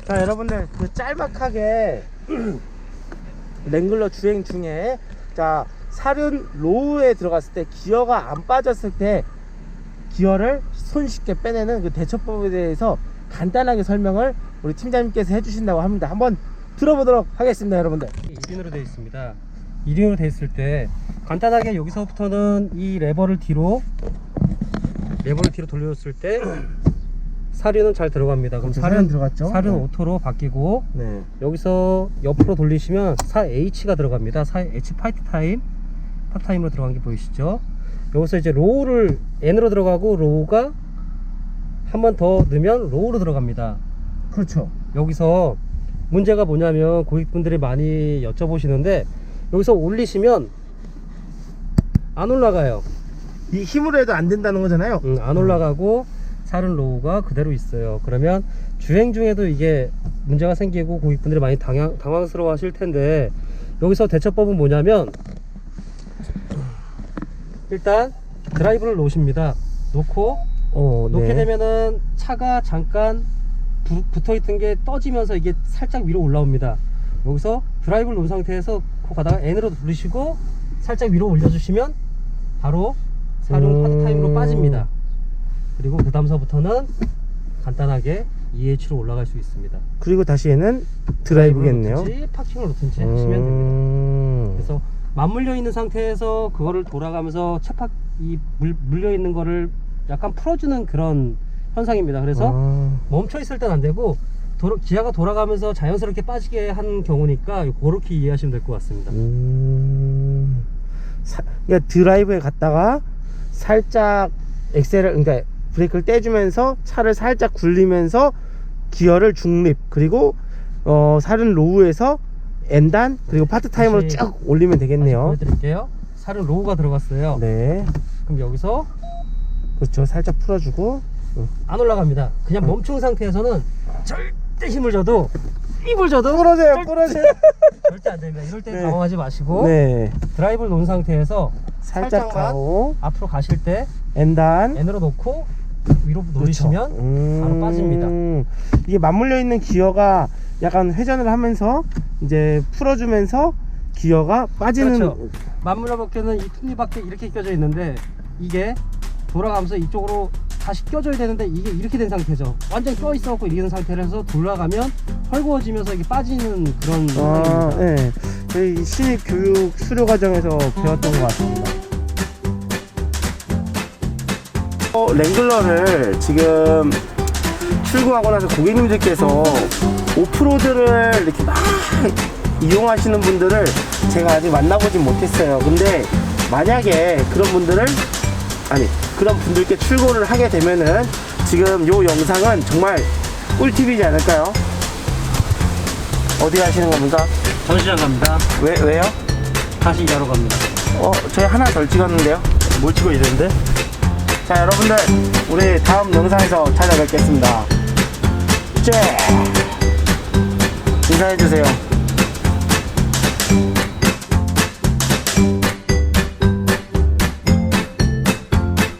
자, 여러분들 그 짤막하게 랭글러 주행 중에 자 살은 로우에 들어갔을 때 기어가 안 빠졌을 때 기어를 손쉽게 빼내는 그 대처법에 대해서 간단하게 설명을 우리 팀장님께서 해주신다고 합니다. 한번 들어보도록 하겠습니다. 여러분들 1인으로 되어 있습니다. 1인으로 되어 있을 때 간단하게 여기서부터는 이 레버를 뒤로 돌려줬을 때 사륜은 잘 들어갑니다. 그럼 사륜 들어갔죠? 사륜 네. 오토로 바뀌고 네. 여기서 옆으로 돌리시면 4H가 들어갑니다. 4H 파타임으로 들어간 게 보이시죠? 여기서 이제 로우를 N으로 들어가고 로우가 한 번 더 넣으면 로우로 들어갑니다. 그렇죠. 여기서 문제가 뭐냐면 고객분들이 많이 여쭤보시는데 여기서 올리시면 안 올라가요. 이 힘으로 해도 안 된다는 거잖아요. 안 올라가고 살은 로우가 그대로 있어요. 그러면 주행 중에도 이게 문제가 생기고 고객분들이 많이 당황스러워 하실 텐데 여기서 대처법은 뭐냐면 일단 드라이브를 놓으십니다. 놓고 놓게 네. 되면은 차가 잠깐 붙어있던 게 떠지면서 이게 살짝 위로 올라옵니다. 여기서 드라이브를 놓은 상태에서 코 가다가 N으로 돌리시고 살짝 위로 올려주시면 바로 사륜 파트타임으로 빠집니다. 그리고 그 다음서부터는 간단하게 EH로 올라갈 수 있습니다. 그리고 다시 얘는 드라이브겠네요. 놓든지 파킹을 놓든지 하시면 됩니다. 그래서 맞물려 있는 상태에서 그거를 돌아가면서 이 물려 있는 거를 약간 풀어주는 그런 현상입니다. 그래서 멈춰 있을 땐 안 되고 기아가 돌아가면서 자연스럽게 빠지게 한 경우니까 그렇게 이해하시면 될 것 같습니다. 그러니까 드라이브에 갔다가 살짝 그러니까 브레이크를 떼주면서 차를 살짝 굴리면서 기어를 중립 그리고 살은 로우에서 N단 그리고 파트타임으로 쭉 올리면 되겠네요. 보여드릴게요. 살은 로우가 들어갔어요. 네. 그럼 여기서 그렇죠. 살짝 풀어주고 안 올라갑니다. 그냥 멈춘 상태에서는 절대 힘을 줘도 부러져요. 절대 안 됩니다. 이럴 때 당황하지 마시고 네. 드라이브를 놓은 상태에서 살짝 가고 앞으로 가실 때 N단 N으로 놓고 위로 돌리시면 바로 빠집니다. 이게 맞물려 있는 기어가 약간 회전을 하면서 이제 풀어주면서 기어가 빠지는. 그렇죠. 맞물려 밖에는 이 톱니밖에 이렇게 껴져 있는데 이게 돌아가면서 이쪽으로 다시 껴줘야 되는데 이게 이렇게 된 상태죠. 완전 껴 있어갖고 이런 상태에서 돌아가면 헐거워지면서 이게 빠지는 그런 상황입니다. 네. 저희 신입 교육 수료 과정에서 배웠던 것 같습니다. 랭글러를 지금 출고하고 나서 고객님들께서 오프로드를 이렇게 막 이용하시는 분들을 제가 아직 만나보진 못했어요. 근데 만약에 그런 분들께 출고를 하게 되면은 지금 요 영상은 정말 꿀팁이지 않을까요? 어디 가시는 겁니까? 전시장 갑니다. 왜요? 다시 일하러 갑니다. 저희 하나 덜 찍었는데요? 뭘 찍어야 되는데? 자, 여러분들 우리 다음 영상에서 찾아뵙겠습니다. 인사해주세요.